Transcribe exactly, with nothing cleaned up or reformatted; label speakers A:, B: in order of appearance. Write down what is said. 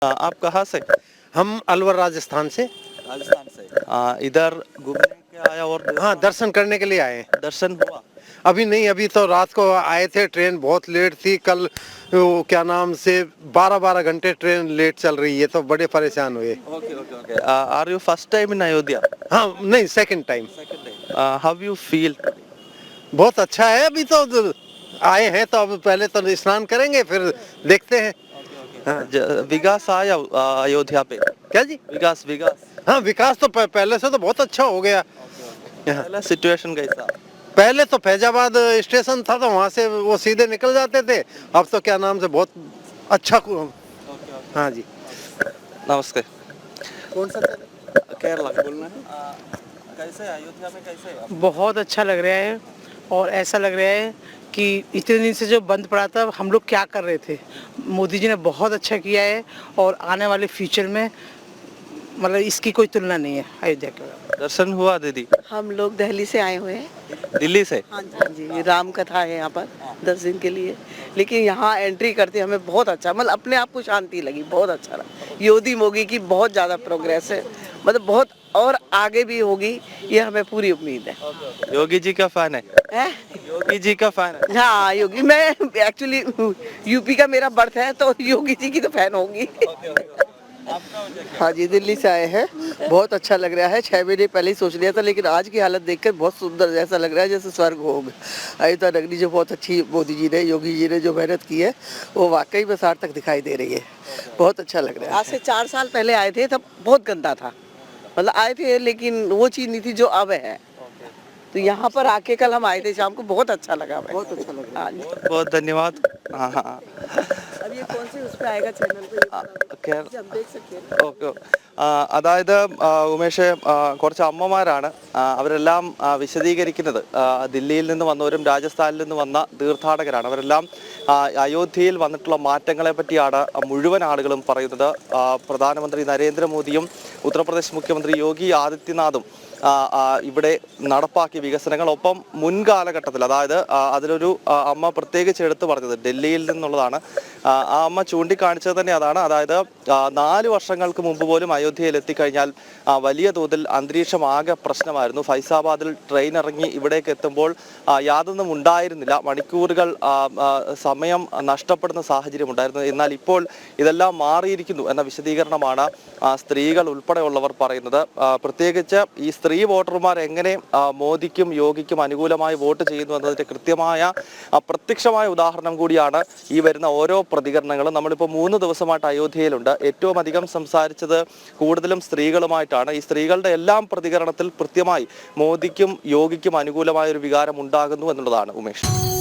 A: आ, आप कहाँ से?
B: हम अलवर राजस्थान से।
A: राजस्थान से। आ, इधर घूमने के आया और
B: हाँ, दर्शन करने के लिए आए हैं।
A: दर्शन हुआ?
B: अभी नहीं, अभी तो रात को आए थे, ट्रेन बहुत लेट थी कल। वो क्या नाम से बारह बारह घंटे ट्रेन लेट चल रही है, तो बड़े परेशान हुए।
A: Okay okay okay. Are you first time in Ayodhya?
B: हाँ नहीं, second time.
A: Second time. How you feel?
B: बहुत अच्छा है। अभी तो आए हैं तो अब पहले तो स्नान करेंगे, फिर देखते हैं। हाँ।
A: विकास आया आ, अयोध्या पे?
B: क्या जी?
A: विकास विकास
B: हाँ, विकास तो प- पहले से तो बहुत अच्छा हो गया। यहाँ
A: पहला सिचुएशन कैसा?
B: पहले तो फैजाबाद स्टेशन था, तो वहाँ से वो सीधे निकल जाते थे। अब तो क्या नाम से बहुत अच्छा कु- हाँ जी।
A: नमस्ते।
B: कौन सा?
A: केरला बोलना है। कैसे अयोध्या में कैसे है?
C: बहुत अच्छा लग रहा है और ऐसा लग रहा है कि इतने दिन से जो बंद पड़ा था हम लोग क्या कर रहे थे। मोदी जी ने बहुत अच्छा किया है और आने वाले फ्यूचर में मतलब इसकी कोई तुलना नहीं है अयोध्या के।
A: दर्शन हुआ दीदी?
D: हम लोग दिल्ली से आए हुए हैं।
A: दिल्ली से?
D: हाँ जी, हाँ जी, राम कथा है यहाँ पर दस दिन के लिए। लेकिन यहाँ एंट्री करते हमें बहुत अच्छा, मतलब अपने आप को शांति लगी, बहुत अच्छा लगा। योगी मोगी की बहुत ज़्यादा प्रोग्रेस है, मतलब बहुत और आगे भी होगी, ये हमें पूरी उम्मीद है।
A: योगी जी का फैन है?
D: है?
A: योगी जी का फैन है?
D: हाँ, योगी, मैं एक्चुअली यूपी का मेरा बर्थ है, तो योगी जी की तो फैन होगी। हाँ जी, दिल्ली से आए हैं। बहुत अच्छा लग रहा है। छह महीने पहले ही सोच लिया था, लेकिन आज की हालत देखकर बहुत सुंदर जैसा लग रहा है, जैसे स्वर्ग हो गया। अयोध्या नगरी जो बहुत अच्छी मोदी जी ने, योगी जी ने जो मेहनत की है, वो वाकई में सार्थक दिखाई दे रही है। बहुत अच्छा लग रहा है। आज से चार साल पहले आए थे, तब बहुत गंदा था, मतलब आए थे लेकिन वो चीज़ नहीं थी जो अब है। तो यहाँ पर आके कल हम आए थे शाम को, बहुत अच्छा लगा हमें। बहुत अच्छा लगा। हाँ जी।
A: बहुत बहुत धन्यवाद। हाँ हाँ।
D: अब ये कौन से उस पे आएगा चैनल पे?
A: കേര-
D: हम देख सकते हैं।
A: ഓക്കെ ആ, അതായത് ആ, ഉമേഷ് ആ, കുറച്ച് അമ്മമാരാണ് ആ, അവരെല്ലാം ആ, വിശദീകരിക്കുന്നത് ആ, ദില്ലിയിൽ നിന്ന് വന്നവരും രാജസ്ഥാനിൽ നിന്ന് വന്ന തീർത്ഥാടകരാണ്. അവരെല്ലാം ആ, അയോധ്യയിൽ വന്നിട്ടുള്ള മാറ്റങ്ങളെ പറ്റിയാണ് മുഴുവൻ ആളുകളും പറയുന്നത്. ആ, പ്രധാനമന്ത്രി നരേന്ദ്രമോദിയും ഉത്തർപ്രദേശ് മുഖ്യമന്ത്രി യോഗി ആദിത്യനാഥും ആ, ആ, ഇവിടെ നടപ്പാക്കിയ വികസനങ്ങൾ, ഒപ്പം മുൻകാലഘട്ടത്തിൽ, അതായത് ആ, അതിലൊരു ആ, അമ്മ പ്രത്യേകിച്ച് എടുത്തു പറഞ്ഞത് ഡൽഹിയിൽ നിന്നുള്ളതാണ്. ആ ആ അമ്മ ചൂണ്ടിക്കാണിച്ചത് തന്നെ അതാണ്. അതായത് ആ, നാല് വർഷങ്ങൾക്ക് മുമ്പ് പോലും അയോധ്യയിൽ എത്തിക്കഴിഞ്ഞാൽ ആ, വലിയ തോതിൽ അന്തരീക്ഷം ആകെ പ്രശ്നമായിരുന്നു. ഫൈസാബാദിൽ ട്രെയിൻ ഇറങ്ങി ഇവിടേക്ക് എത്തുമ്പോൾ ആ, യാതൊന്നും ഉണ്ടായിരുന്നില്ല. മണിക്കൂറുകൾ ആ, ആ, സമയം നഷ്ടപ്പെടുന്ന സാഹചര്യം ഉണ്ടായിരുന്നു. എന്നാൽ ഇപ്പോൾ ഇതെല്ലാം മാറിയിരിക്കുന്നു എന്ന വിശദീകരണമാണ് ആ, സ്ത്രീകൾ ഉൾപ്പെടെയുള്ളവർ പറയുന്നത്. ആ, പ്രത്യേകിച്ച് ഈ സ്ത്രീ വോട്ടർമാർ എങ്ങനെ ആ, മോദിക്കും യോഗിക്കും അനുകൂലമായി വോട്ട് ചെയ്യുന്നു എന്നതിന്റെ കൃത്യമായ ആ, പ്രത്യക്ഷമായ ഉദാഹരണം കൂടിയാണ് ഈ വരുന്ന ഓരോ പ്രതികരണങ്ങളും. നമ്മളിപ്പോൾ മൂന്ന് ദിവസമായിട്ട് അയോധ്യയിലുണ്ട്. ഏറ്റവും അധികം സംസാരിച്ചത് കൂടുതലും സ്ത്രീകളുമായിട്ടാണ്. ഈ സ്ത്രീകളുടെ എല്ലാം പ്രതികരണത്തിൽ കൃത്യമായി മോദിക്കും യോഗിക്കും അനുകൂലമായ ഒരു വികാരം ഉണ്ടാകുന്നു എന്നുള്ളതാണ്. ഉമേഷ്.